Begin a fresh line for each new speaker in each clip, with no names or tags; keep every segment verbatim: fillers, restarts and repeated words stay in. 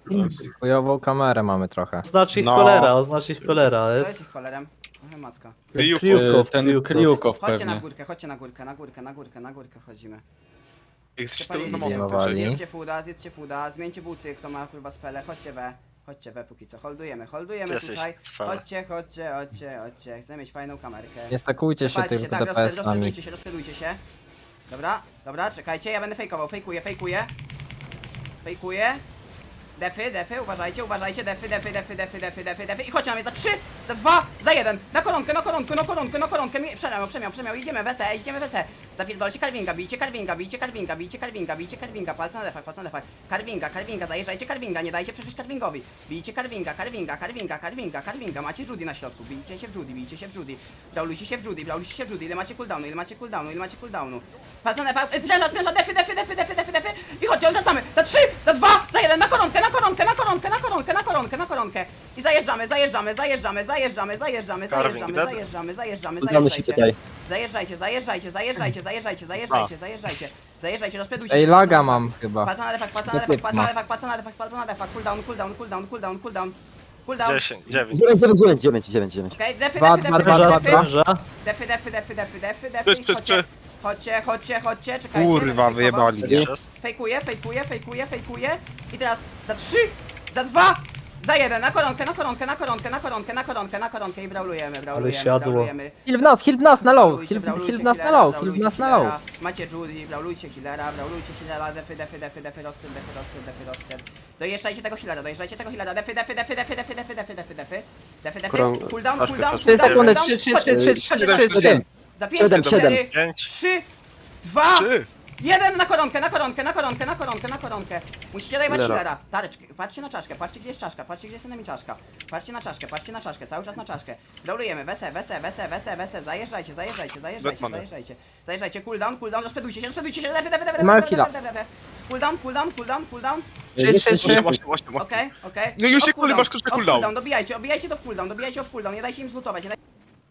Chujową kamerę mamy trochę.
Oznacz ich
No.
cholera, oznacz ich cholera.
To
Jest
jest ich cholerem. Aha, macka.
Kryjówko.
Kryjówkow,
Ten
kryjówkow.
Kryjówkow
Chodźcie na
pewnie.
górkę, chodźcie na górkę, na górkę, na górkę, na górkę wchodzimy.
Jesteś
Przepalili
tym na
się.
motor,
Zdejmowali.
Zjedzcie fuda, zjedzcie fuda, zmieńcie buty, kto ma kurwa spele, chodźcie we. Chodźcie we póki co, holdujemy, holdujemy
Jesteś
tutaj.
cwany.
Chodźcie, chodźcie, chodźcie, chodźcie. Chcę mieć fajną kamerkę.
Nie stakujcie się
Przepalcie
tym
tak, rozpęd-
D P S-ami.
rozpędujcie się, rozpędujcie się. Dobra, dobra, czekajcie, ja będę fejkował, fejkuję, fejkuję. Fejkuję. Defy, defy, uważajcie, uważajcie, defy, defy, defy, defy, defy, defy, defy. I chodźcie na mnie za trzy, za dwa, za jeden. Na koronkę, na koronkę, na koronkę, na koronkę. Mi- Przemiał, przemiał, przemiał, idziemy wese, idziemy wese. Zapierdolcie Karwinga, bijcie Karwinga, bijcie Karwinga, bijcie Karwinga, bijcie Karwinga, palce na defach, palce na defach. Karwinga, Karwinga, zajeżdżajcie Karwinga, nie dajcie przejść Karwingowi. Bijcie Karwinga, Karwinga, Karwinga, Karwinga, Karwinga. Macie Judy na środku, bijcie się w Judy, bijcie się w Judy. Braulujcie się w Judy, braulujcie się w Judy. Ile macie cooldownu, ile macie cooldownu, ile macie cooldownu. Palce na defach, spręża, spręża, defy, defy, defy, defy, defy, defy. I chodźcie, odwracamy. Za trzy, za dwa, za jeden, na koronkę, na koronkę, na koronkę, na koronkę, na koronkę, na koronkę. I zajeżdżamy, zajeżdżamy, zajeżdżamy, zajeżdżamy, zajeżdżamy,
Carving
zajeżdżamy,
dead?
zajeżdżamy, zajeżdżamy,
Udamy się
zajeżdżajcie.
tutaj.
Zajeżdżajcie, zajeżdżajcie, zajeżdżajcie, zajeżdżajcie, zajeżdżajcie, zajeżdżajcie. Zajeżdżajcie, rozpędujcie
Ej,
się.
laga
palca na
mam
defak.
chyba.
Palca na defak, palca na
To
defak,
typ
palca na
ma.
defak, palca na defak, palca na defak. Cooldown, cooldown, cooldown, cooldown, cooldown. Cooldown.
dziesięć, dziewięć.
dziewięć, dziewięć, dziewięć, dziewięć, dziewięć, dziewięć.
Okej, defy,
Dwa,
defy,
dwa,
defy,
dwa,
defy,
dwa,
defy.
dwa.
spręża.
Defy, defy, defy, defy, defy, defy.
Trzy, trzy,
Chodźcie,
trzy.
chodźcie, chodźcie, chodźcie, czekajcie.
Kurwa,
będę fejkował.
wyjebali.
Sześć.
Fejkuję, fejkuję, fejkuję, fejkuję. I teraz za trzy, za dwa, za jeden. Na koronkę, na koronkę, na koronkę, na koronkę, na koronkę, na koronkę i braulujemy, braulujemy,
siadło.
braulujemy.
Heal w nas, heal w nas na low,
Braulujcie,
heal,
braulujcie
heal w nas na
healera,
low, heal w
braulujcie
nas na low.
healera. Macie Judy, braulujcie healera, braulujcie healera, defy, defy, defy, defy, rozpęd, defy, rozpęd, defy, rozpęd. Dojeżdżajcie tego healera, dojeżdżajcie tego healera, defy, defy, defy, defy, defy, defy, defy, defy, defy, defy, defy,
Krąg-
cooldown,
troszkę,
cooldown,
troszkę.
trzy
cooldown,
sekundy,
cooldown.
trzy, trzy,
Chodźcie,
trzy, trzy,
chodźcie,
trzy,
chodźcie,
trzy,
chodźcie.
trzy.
Za pięć,
Siedem,
cztery,
siedem.
Pięć.
trzy, dwa,
Trzy.
jeden na koronkę, na koronkę, na koronkę, na koronkę, na koronkę. Musicie dajwać
Healera.
healera. Tareczki, patrzcie na czaszkę, patrzcie gdzie jest czaszka, patrzcie gdzie jest enemy czaszka. Patrzcie na czaszkę, patrzcie na czaszkę, cały czas na czaszkę. Braulujemy, wese, wese, wese, wese, wese, zajeżdżajcie, zajeżdżajcie, zajeżdżajcie,
Batmany.
zajeżdżajcie. Zajeżdżajcie, cooldown, cooldown, rozpędujcie się, rozpędujcie się, lewy, lewy, lewy,
Mam
lewy,
heala.
lewy, lewy, lewy. Cooldown, cooldown, cooldown, cooldown.
trzy, trzy,
Osiem,
trzy.
osiem, osiem, osiem.
Okej, okej.
No już się
Off cooldown,
masz krótki
off
cooldown.
Dobijajcie, obijajcie to w cooldown, dobijajcie w cooldown, nie dajcie im zlutować, nie dajcie...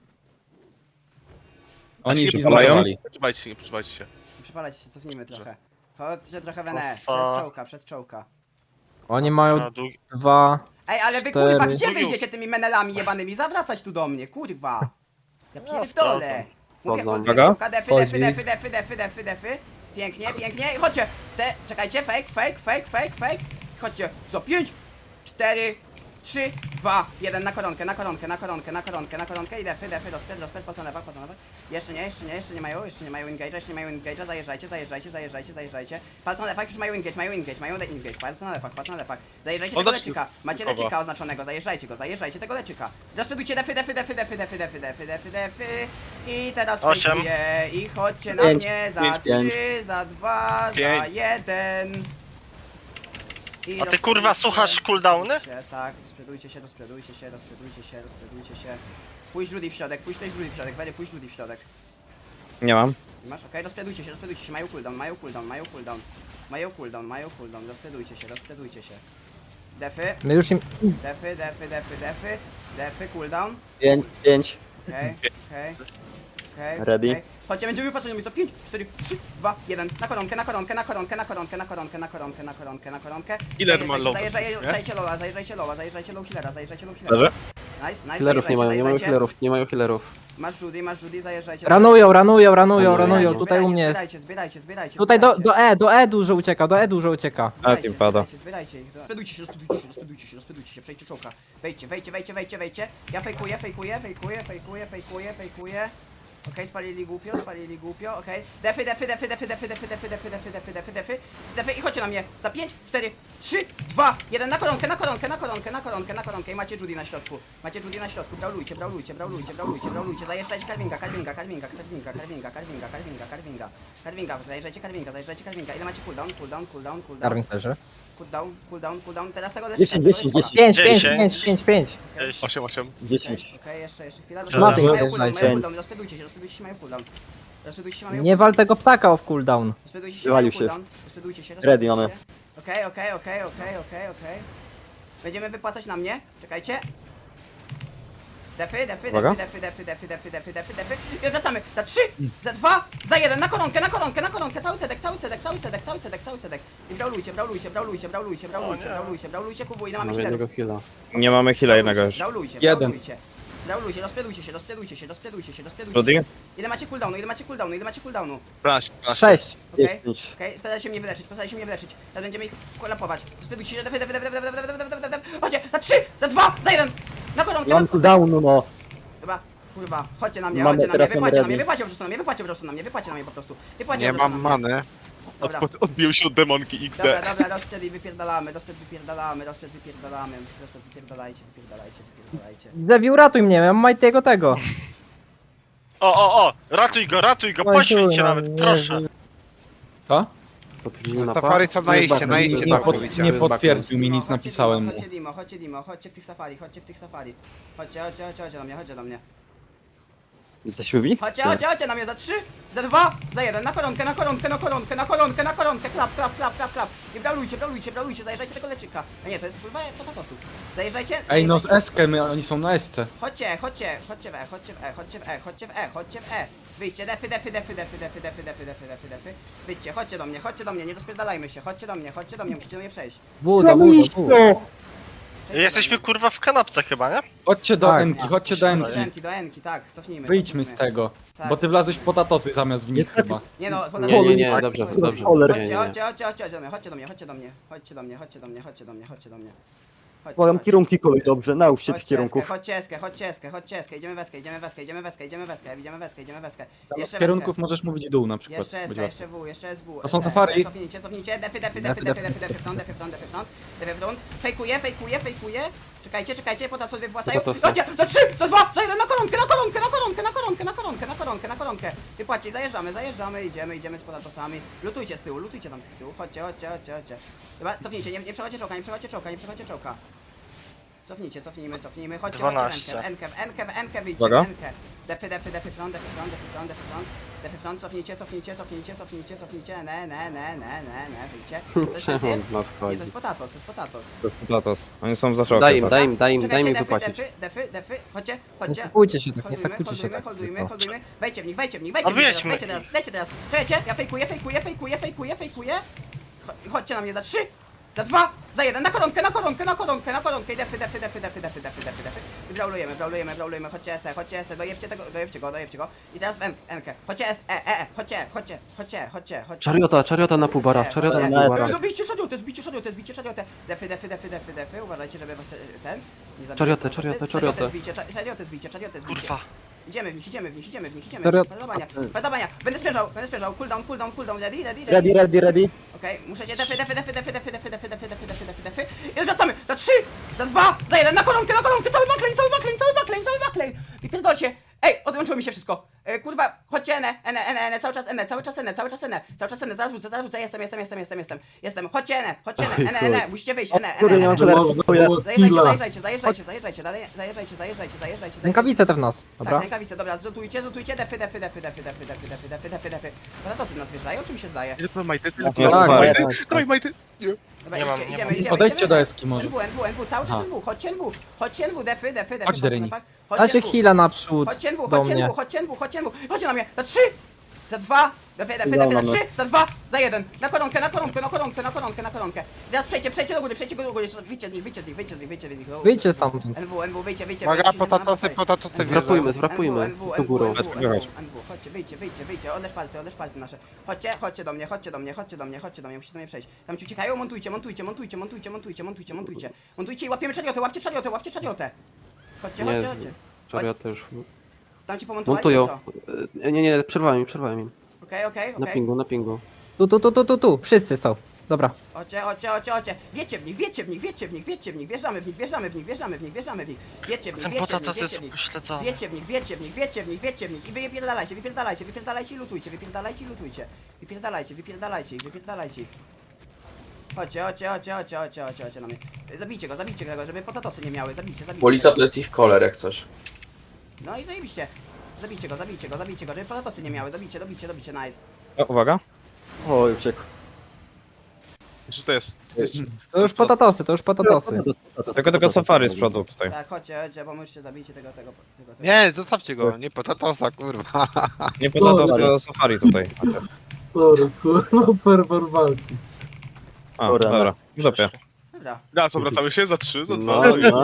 Oni
się
już
zapalają?
zbudowali.
Przyczepajcie się, przyczepajcie się.
Przepadać się, cofnijmy trochę. Chodźcie trochę w N E,
Ofa.
przed czołka, przed czołka.
Oni mają
Na długi-
dwa...
Ej, ale wy
Cztery.
kurwa, gdzie wyjdziecie tymi menelami jebanymi? Zawracać tu do mnie, kurwa. Ja pierdolę.
sprawdzam.
Mówię,
Wchodzą.
chodźcie,
Uwaga.
czołka, defy, defy,
Wchodzi.
defy, defy, defy, defy, defy. Pięknie, pięknie. I chodźcie. Te, czekajcie, fake, fake, fake, fake, fake. Chodźcie, za pięć, cztery, trzy, dwa, jeden na koronkę, na koronkę, na koronkę, na koronkę, na koronkę i defy, defy, rozpęd, rozpęd, po co lewa, po co lewa. Jeszcze nie, jeszcze nie, jeszcze nie mają, jeszcze nie mają engage'a, jeszcze nie mają engage'a, zajeżdżajcie, zajeżdżajcie, zajeżdżajcie, zajeżdżajcie. Palce na lewach, już mają engage, mają engage, mają engage, palce na lewach, palce na lewach. Zajeżdżajcie
On
tego
zacznie-
leczyka, macie
Kogo?
leczyka oznaczonego, zajeżdżajcie go, zajeżdżajcie tego leczyka. Rozpędujcie defy, defy, defy, defy, defy, defy, defy, defy, defy. I teraz
Osiem.
fejkuję i chodźcie na
Pięć,
mnie za
pięć, pięć.
trzy, za dwa, za
Pięć.
jeden. I
A ty kurwa
rozpędujcie
słuchasz cooldowny?
się, tak, rozpędujcie się, rozpędujcie się, rozpędujcie się, rozpędujcie się. Pójdź Judy w środek, pójdź też Judy w środek, Wery, pójdź Judy w środek.
Nie mam.
I masz, okej, rozpędujcie się, rozpędujcie się, mają cooldown, mają cooldown, mają cooldown. Mają cooldown, mają cooldown, rozpędujcie się, rozpędujcie się. Defy,
My już im...
defy, defy, defy, defy, defy, cooldown.
pięć, pięć.
Okej, okej, okej.
Ready?
okej. Chodźcie, będziemy patrzeć na to pięć, cztery, trzy, dwa, jeden. Na koronkę, na koronkę, na koronkę, na koronkę, na koronkę, na koronkę, na koronkę, na koronkę.
Killer ma low,
Zajeżdżajcie lowa, zajeżdżajcie lowa, zajeżdżajcie low healera, zajeżdżajcie low healera.
Dobrze.
Nice, nice,
Healerów nie mają, nie mają
zajeżdżajcie.
healerów, nie mają healerów.
Masz Judy, masz Judy, zajeżdżajcie.
Ranują, ranują, ranują,
Zbierajcie,
ranują,
Zbierajcie,
tutaj u mnie jest.
Zbierajcie, zbierajcie, zbierajcie.
Tutaj do,
zbierajcie.
do E, do E dużo ucieka, do E dużo ucieka.
Zbierajcie,
A, tym pada.
Zbierajcie, zbierajcie ich. Rozpędujcie się, rozpędujcie się, rozpędujcie się, rozpędujcie się, przejdźcie czołka. Wejdźcie, wejdźcie, wejdźcie, wejdźcie, wejdźcie. Ja fejkuję, fejkuję, fejkuję, fejkuję, fejkuję, fejkuję. Okej, spalili głupio, spalili głupio, okej. Defy, defy, defy, defy, defy, defy, defy, defy, defy, defy, defy, defy. Defy i chodźcie na mnie. Za pięć, cztery, trzy, dwa, jeden. Na koronkę, na koronkę, na koronkę, na koronkę, na koronkę. I macie Judy na środku. Macie Judy na środku. Braulujcie, braulujcie, braulujcie, braulujcie, braulujcie. Zajeżdżajcie Karwinga, Karwinga, Karwinga, Karwinga, Karwinga, Karwinga, Karwinga, Karwinga. Karwinga, zajeżdżajcie Karwinga, zajeżdżajcie Karwinga. Ile macie cooldown, cooldown, cooldown, cooldown.
Darwin leży.
Cooldown, cooldown, cooldown. Teraz tego leczyka.
dziesięć,
tego
dziesięć,
leczyka.
dziesięć.
pięć, pięć,
Dziesięć.
pięć, pięć, pięć.
Sześć.
osiem, osiem.
dziesięć.
Okej, jeszcze, jeszcze chwila.
Szmaty
Mają cooldown,
zjeżdżajcie.
mają cooldown, rozpędujcie się, rozpędujcie się, mają cooldown. Rozpędujcie się, mają
Nie wal tego ptaka off cooldown.
Rozpędujcie się,
Wywalił
mają
się
cooldown. Rozpędujcie się,
Ready
rozpędujcie
mamy.
się. Okej, okej, okej, okej, okej, okej. Będziemy wypłacać na mnie. Czekajcie. Defy, defy,
Uwaga.
defy, defy, defy, defy, defy, defy, defy, defy. I odwracamy. Za trzy, za dwa, za jeden. Na koronkę, na koronkę, na koronkę. Cały cedek, cały cedek, cały cedek, cały cedek, cały cedek. I braulujcie, braulujcie, braulujcie, braulujcie, braulujcie, braulujcie, braulujcie, kubu. Ile mamy
Może jednego
czterów?
heala.
Nie mamy heala jednego już.
Braulujcie,
Jeden.
braulujcie. Braulujcie, rozpredujcie się, rozpredujcie się, rozpredujcie się, rozpredujcie
Rudy?
się. Ile macie cooldownu, ile macie cooldownu, ile macie cooldownu?
dwanaście, dwanaście.
Sześć.
Okej,
Dziesięć.
okej, staraj się mnie wyleczyć, staraj się mnie wyleczyć. Teraz będziemy ich kolapować. Rozpredujcie się, defy, defy, defy, defy, defy, defy, defy, defy, defy. Chodźcie, za trzy, za dwa, za jeden. Na koronkę,
Nie
na
mam cooldownu, no.
Chyba, kurwa, chodźcie na mnie,
Mamy
chodźcie na mnie,
teraz
wypłacie na mnie,
ready.
wypłacie po prostu na mnie, wypłacie po prostu na mnie, wypłacie na mnie po prostu. Wypłacie
Nie
po prostu
mam
na mnie.
many.
Dobra.
Odpo- Odbił się od demonki X
Dobra,
D.
dobra, rozpred i wypierdalamy, rozpred wypierdalamy, rozpred wypierdalamy, rozpred wypierdalajcie, wypierdalajcie, wypierdalajcie.
Zebi, uratuj mnie, ja mam Majtiego tego.
O, o, o! Ratuj go, ratuj go, poświęć się nawet, proszę.
Co?
Potwierdzimy na
Safari są na iście, na iście
Nie,
tam
pod,
mówicie.
nie potwierdził mi,
Dimo,
nic
chodźcie
napisałem
Dimo,
mu.
Chodźcie Dimo, chodźcie Dimo, chodźcie w tych safari, chodźcie w tych safari. Chodźcie, chodźcie, chodźcie, chodźcie do mnie, chodźcie do mnie.
Jesteśmy wi?
Chodźcie, chodźcie, chodźcie na mnie za trzy, za dwa, za jeden, na koronkę, na koronkę, na koronkę, na koronkę, na koronkę, klap, klap, klap, klap, klap. I braulujcie, braulujcie, braulujcie, zajeżdżajcie tego leczyka. A nie, to jest pływa potakosów. Zajeżdżajcie.
Ej, no z
zajeżdżajcie.
S-kę, my, oni są na S-ce.
Chodźcie, chodźcie, chodźcie w E, chodźcie w E, chodźcie w E, chodźcie w E, chodźcie w E. Wyjdźcie, defy, defy, defy, defy, defy, defy, defy, defy, defy, defy. Wyjdźcie, chodźcie do mnie, chodźcie do mnie, nie rozpierdalajmy się, chodźcie do mnie, chodźcie do mnie, musicie do mnie przejść.
Buda, buda, buda.
Przejdźcie
Jesteśmy
do mnie.
kurwa w kanapce chyba, nie?
Chodźcie do
Tak.
Enki, chodźcie do
Do
Enki.
Enki, do Enki, tak, cofnijmy.
Wyjdźmy z
cofnijmy.
tego.
Tak.
Bo ty wlazłeś w potatosy zamiast w nich chyba.
Nie no,
Nie, nie, nie,
chodźcie,
dobrze,
chodźcie,
dobrze.
Choler.
Nie, nie,
Chodźcie,
nie.
chodźcie, chodźcie, chodźcie do mnie, chodźcie do mnie, chodźcie do mnie, chodźcie do mnie, chodźcie do mnie, chodźcie do mnie, chodźcie do mnie. Chodźcie,
Podam
chodźcie.
kierunki kolej, dobrze, nauczcie tych
Chodźcie eskę,
kierunków.
chodźcie eskę, chodźcie eskę, chodźcie eskę, idziemy w eskę, idziemy w eskę, idziemy w eskę, idziemy w eskę, idziemy w eskę, idziemy w eskę.
Tam z
Jeszcze w
kierunków
eskę.
możesz mówić dół na przykład.
Jeszcze
Będzie
eska,
łatwiej.
jeszcze W, jeszcze S W.
To są
S W,
safari.
Cofnijcie, cofnijcie, defy, defy, defy,
Defy,
defy,
defy,
defy, defy front, defy front, defy front, defy front. Fejkuje, fejkuje, fejkuje. Czekajcie, czekajcie, po to co wypłacają.
Po to co?
Chodźcie, za trzy, za dwa, za jeden, na koronkę, na koronkę, na koronkę, na koronkę, na koronkę, na koronkę, na koronkę. Wypłacie, zajeżdżamy, zajeżdżamy, idziemy, idziemy z podatosami. Lutujcie z tyłu, lutujcie tam tych z tyłu. Chodźcie, chodźcie, chodźcie, chodźcie. Dobra, cofnijcie, nie, nie przechodźcie czołka, nie przechodźcie czołka, nie przechodźcie czołka. Cofnijcie, cofnijmy, cofnijmy, chodźcie,
dwanaście.
chodźcie, Enkę, Enkę, Enkę, Enkę, wyjdźcie,
Uwaga.
Enkę. Defy, defy, defy front, defy front, defy front, defy front. Defy front, cofnijcie, cofnijcie, cofnijcie, cofnijcie, cofnijcie, ne, ne, ne, ne, ne, ne, wyjdźcie. To jest
Czemu
defy?
on nas
Nie,
chodzi?
to jest potatos, to jest potatos.
To jest Platos. Oni są za szokiem.
Daj im,
tak.
daj im, daj im, daj
Czekajcie,
mi
defy,
wypłacić.
defy, defy, defy, chodźcie,
Nie
chodźcie.
stakujcie się tak, nie
Holdujmy,
stakujcie się
holdujmy,
tak.
holdujmy,
tylko.
holdujmy. Wejdźcie w nich, wejdźcie w nich, wejdźcie
A
w nich teraz,
wyjedźmy.
wejdźcie teraz, wejdźcie teraz. Czekajcie, ja fejkuję, fejkuję, fejkuję, fejkuję, fejkuję. Cho- Chodźcie na mnie za trzy, za dwa, za jeden, na koronkę, na koronkę, na koronkę, na koronkę i defy, defy, defy, defy, defy, defy, defy, defy. I braulujemy, braulujemy, braulujemy, chodźcie S E, chodźcie S E, dojebcie tego, dojebcie go, dojebcie go. I teraz w N- Enkę, chodźcie S E, E, E, chodźcie, chodźcie, chodźcie, chodźcie, chodźcie.
Czariota, czariota na półbara,
Chodźcie,
czariota
chodźcie.
na półbara.
No bijcie szariotę, zbicie szariotę, zbicie szariotę. Defy, defy, defy, defy, defy, uważajcie, żeby was e, ten nie zabił.
Czariotę, czariotę, czariotę.
zbicie, cza- czariotę zbicie, czariotę zbicie.
Kurwa.
Idziemy w nich, idziemy w nich, idziemy w nich, idziemy.
Czariot-
Falowania, falowania. Będę sprężał, będę sprężał. Cooldown, cooldown, cooldown, ready, ready, ready.
Ready, ready, ready.
Okej, muszę cię defy, defy, defy, defy, defy, defy, defy, defy, defy, defy, defy, defy. I odwracamy. Za trzy, za dwa, za jeden, na koronkę, na koronkę, cały backlane, cały backlane, cały backlane, cały backlane. I pierdolcie. Ej, odłączyło mi się wszystko. E, kurwa, chodźcie N, N, N, N, cały czas N, cały czas N, cały czas N, cały czas N, zaraz wrócę, zaraz wrócę, jestem, jestem, jestem, jestem, jestem, jestem. Chodźcie N, chodźcie N, N, N, musicie wyjść, N, N,
Kurde, nie
N,
mam
N.
cholera.
Zajeżdżajcie, zajeżdżajcie, zajeżdżajcie, zajeżdżajcie, dalej, zajeżdżajcie, zajeżdżajcie, zajeżdżajcie.
Rękawice te w nas,
Tak,
dobra?
rękawice, dobra, zrotujcie, zrotujcie, defy, defy, defy, defy, defy, defy, defy, defy, defy, defy. Patatosy nas wjeżdżają, czy mi się zdaje?
Ile to majty?
Tak,
Ile to
tak,
majty?
tak, tak.
Daj majty! Nie.
Dobra,
Nie mam,
idziemy,
nie
idziemy,
mam.
idziemy,
Podejdźcie
idziemy.
do Eski może.
N W, N W, N W, cały czas
Aha.
N W, chodźcie N W, chodźcie N W, defy, defy, defy.
Chodź, Deryni.
Chodźcie
Dajcie
N W.
heala naprzód
Chodźcie N W,
do
chodźcie N
mnie.
W, chodźcie N W, chodźcie N W, chodźcie na mnie, za trzy, za dwa, defy, defy, defy, za
Udało
trzy, za dwa, za jeden, na koronkę, na koronkę, na koronkę, na koronkę, na koronkę. I teraz przejdźcie, przejdźcie do góry, przejdźcie do góry, wyjdźcie z nich, wyjdźcie z nich, wyjdźcie z nich, wyjdźcie z nich.
Wyjdźcie stamtąd.
N W, N W, wyjdźcie, wyjdźcie.
Uwaga,
wyjdźcie,
potatosy,
wyjdźcie.
potatosy
Zwrapujmy,
wjeżdżają.
zwrapujmy.
N W,
Do
N W,
górą.
N W, N W,
Wychodź.
N W, chodźcie, wyjdźcie, wyjdźcie, wyjdźcie, odleż palty, odleż palty nasze. Chodźcie, chodźcie do mnie, chodźcie do mnie, chodźcie do mnie, chodźcie do mnie, musicie do mnie przejść. Tam ci uciekają, montujcie, montujcie, montujcie, montujcie, montujcie, montujcie, montujcie. Montujcie i łapiemy czariotę, łapcie czariotę, łapcie czariotę. Chodźcie,
Nie,
chodźcie, chodźcie.
czariota już
Tam ci pomontowali, czy
montują.
co?
E, Nie, nie, przerwałem im, przerwałem im.
Okej, okej,
Na
okej.
pingu, na pingu.
Tu, tu, tu, tu, tu, tu, wszyscy są. Dobra.
Chodźcie, chodźcie, chodźcie, chodźcie. Wiecie w nich, wiecie w nich, wiecie w nich, wiecie w nich, wjeżdżamy w nich, wjeżdżamy w nich, wjeżdżamy w nich, wjeżdżamy w nich. Wiecie w nich,
Ten
wiecie w nich,
potatos
wiecie
jest
w nich.
upośledzony.
Wiecie w nich, wiecie w nich, wiecie w nich, wiecie w nich. I wy wypierdalajcie, wypierdalajcie, wypierdalajcie i lutujcie, wypierdalajcie i lutujcie. Wypierdalajcie, wypierdalajcie ich, wypierdalajcie ich. Chodźcie, chodźcie, chodźcie, chodźcie, chodźcie, chodźcie, chodźcie na mnie. Zabijcie go, zabijcie go, żeby potatosy nie miały, zabijcie, zabijcie.
Policja to jest ich koler jak coś.
No i zajebiście. Zabijcie go, zabijcie go, zabijcie go, żeby potatosy nie miały, dobijcie, dobijcie, dobijcie, nice.
O, uwaga. Oj, uciekł.
Że to jest... To jest...
To już potatosy, to już potatosy.
Tylko tego safari z przodu tutaj.
Tak, chodźcie, chodźcie, pomóżcie, zabijcie tego, tego, tego, tego.
Nie, zostawcie go, nie potatosa, kurwa.
Nie potatosy, a safari tutaj.
Sorry, kurwa, fervor walki.
A, dobra. W dupie.
Dobra.
Raz, obracamy się, za trzy, za dwa.
No, no.